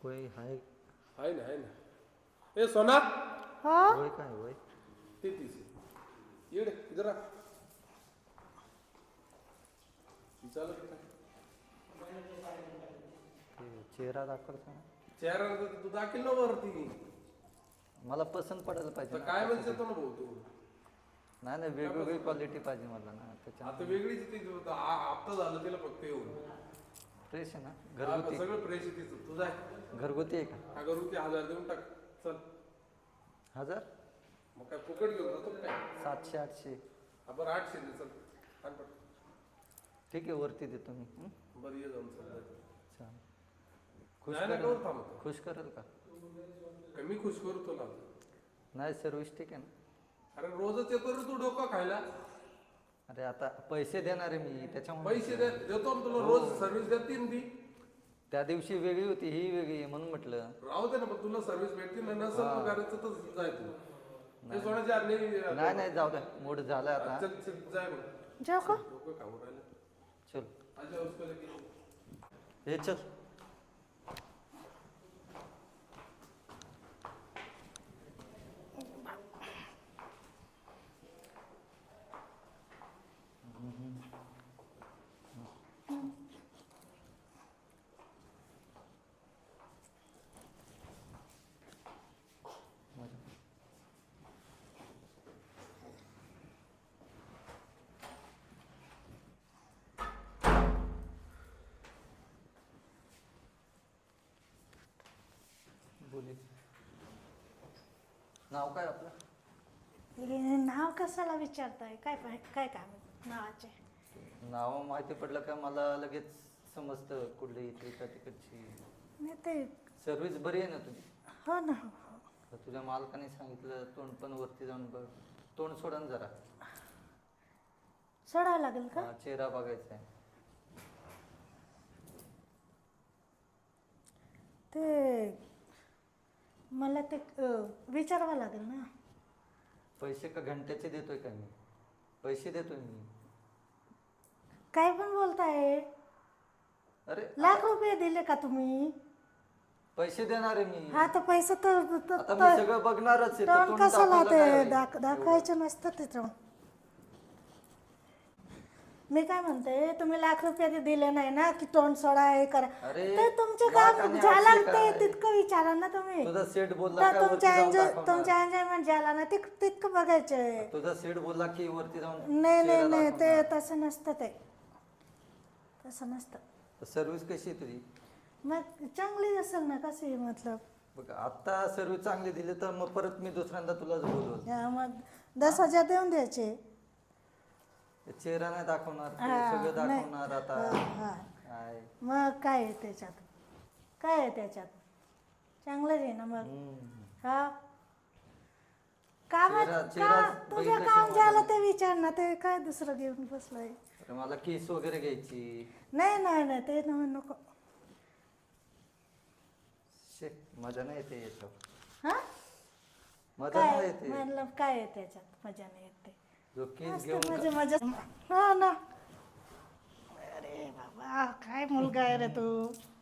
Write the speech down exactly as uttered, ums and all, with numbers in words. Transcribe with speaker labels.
Speaker 1: कोई हाय
Speaker 2: आहे ना आहे ना. ए सोना
Speaker 3: हा
Speaker 1: वय काय वय
Speaker 2: तेहतीस इकडे इधर आ. चालत काय
Speaker 1: ते चेहरा दाखवतो ना
Speaker 2: चेहरा तू दाखील ना वरती.
Speaker 1: मला पसंत पडायला पाहिजे
Speaker 2: तर
Speaker 1: ना.
Speaker 2: काय म्हणते तो ना भाऊ तू.
Speaker 1: नाही नाही वेगवेगळी क्वालिटी पाहिजे मला ना त्याच्या
Speaker 2: आता वेगळीच ती हप्ता झालं तिला फक्त येऊन
Speaker 1: फ्रेश आहे ना
Speaker 2: हा,
Speaker 1: घरगुती
Speaker 2: सगळं फ्रेश आहे तिचं. तुझा आहे
Speaker 1: घरगुती आहे का
Speaker 2: हा घरगुती हजार देऊन टाक. चल
Speaker 1: हजार
Speaker 2: मग काय फुकट घेऊन जातो का काय.
Speaker 1: सातशे आठशे
Speaker 2: हा बरं आठशे दे चल. आण पट.
Speaker 1: ठीक आहे वरती देतो मी हं?
Speaker 2: बरं ये जाऊन चल.
Speaker 1: छान खुश
Speaker 2: नाही, नाही,
Speaker 1: करेल
Speaker 2: कवर थांबतो.
Speaker 1: खुश करेल का
Speaker 2: काय मी खुश करू तुला.
Speaker 1: नाही सर्विस ठीक आहे ना.
Speaker 2: अरे रोजच येतो रे तू डोकं खायला.
Speaker 1: अरे आता पैसे देणार आहे मी त्याच्यामुळे
Speaker 2: पैसे दे देतो ना तुला रोज सर्व्हिस देते ना ती.
Speaker 1: त्या दिवशी वेगळी होती ही वेगळी आहे म्हणून म्हटलं
Speaker 2: राहू दे ना पण तुला सर्व्हिस भेटते ना नसेल तू करायचं तर जाय तू. ते सोडायचे आर नाही.
Speaker 1: नाही नाही जाऊ द्या मूड झाला आता
Speaker 2: चल चल जाय मग.
Speaker 3: जाऊ का
Speaker 2: डोकं खाऊ राहिलं.
Speaker 1: चल
Speaker 2: अच्छा उसको लेके
Speaker 1: हे चल बोली नाव काय आपलं
Speaker 3: हे नाव कशाला विचारताय काय पाह- काय काम आहे नावाचे
Speaker 1: नाव माहिती पडलं का मला लगेच समजतं कुठली इथे का तिकडची
Speaker 3: नाही ते
Speaker 1: सर्विस बरी आहे ना तुझी
Speaker 3: हो ना हो हो.
Speaker 1: तर तुझ्या मालकाने सांगितलं तोंड पण वरती जाऊन बघ तोंड सोडा ना जरा
Speaker 3: सोडावं लागेल का
Speaker 1: हा, चेहरा बघायचा आहे
Speaker 3: ते मला ते अं, विचारावं लागेल ना
Speaker 1: पैसे का घंट्याचे देतोय का मी पैसे देतोय मी
Speaker 3: काय पण बोलताय
Speaker 1: अरे
Speaker 3: लाख रुपये दिले का तुम्ही
Speaker 1: पैसे देणार आहे मी
Speaker 3: हा तर पैसे तर तर-
Speaker 1: आता मी
Speaker 3: तर-
Speaker 1: सगळं बघणारच आहे तर
Speaker 3: तोंड
Speaker 1: तोंड
Speaker 3: कशाला
Speaker 1: दाखवलं
Speaker 3: ते
Speaker 1: काय होईल?
Speaker 3: दाख दाखवायचं नसतं ते तोंड मी काय म्हणते तुम्ही लाख रुपये दिले नाही ना की तोंड सोडा हे करा
Speaker 1: अरे,
Speaker 3: ते तुमचं
Speaker 1: लाख
Speaker 3: काम
Speaker 1: आणि
Speaker 3: झालं
Speaker 1: आठशे
Speaker 3: ते
Speaker 1: काय?
Speaker 3: तितकं विचारा ना तुम्ही
Speaker 1: तुझा सेट बोलला
Speaker 3: तर
Speaker 1: का वरती
Speaker 3: तुमच्या
Speaker 1: जाऊन
Speaker 3: एन्जॉय
Speaker 1: दाखवणार?
Speaker 3: तुमच्या एन्जॉयमेंट झाला ना ते तितकं बघायचंय
Speaker 1: तुझा सेट बोलला की वरती जाऊन
Speaker 3: नाही नाही
Speaker 1: चेहरा
Speaker 3: नाही ते
Speaker 1: दाखवणार.
Speaker 3: तसं नसतं ते तसं नसतं
Speaker 1: सर्विस कशी आहे तुझी
Speaker 3: मग चांगली असेल ना कशी मतलब
Speaker 1: बघ आता सर्विस चांगली दिली तर मग परत मी दुसऱ्यांदा तुलाच बोलवल
Speaker 3: हा, मग दस हजार देऊन द्यायचे
Speaker 1: चेहरा नाही दाखवणार ते
Speaker 3: हा,
Speaker 1: सगळं
Speaker 3: नाही.
Speaker 1: दाखवणार आता
Speaker 3: हा, हा.
Speaker 1: काय
Speaker 3: मग काय आहे त्याच्यात काय आहे त्याच्यात चांगलंच आहे ना मग
Speaker 1: हम्म.
Speaker 3: हा कामात
Speaker 1: चेहरा-
Speaker 3: का
Speaker 1: चेहरा
Speaker 3: तुझं
Speaker 1: बघितलं
Speaker 3: काम
Speaker 1: की
Speaker 3: झालं
Speaker 1: मला-
Speaker 3: ते विचार ना ते काय दुसरं घेऊन बसलंय
Speaker 1: अरे मला केस वगैरे घ्यायची
Speaker 3: नाही नाही नाही ते न- नको
Speaker 1: शे मजा नाही येते याच्यावर
Speaker 3: हा
Speaker 1: मजा नाही
Speaker 3: काय
Speaker 1: येते
Speaker 3: म्हणलं काय आहे त्याच्यात मजा नाही येते
Speaker 1: जो केस
Speaker 3: मस्त
Speaker 1: घेऊन
Speaker 3: मजा मजा हा ना अरे बाबा काय मुलगा आहे रे तू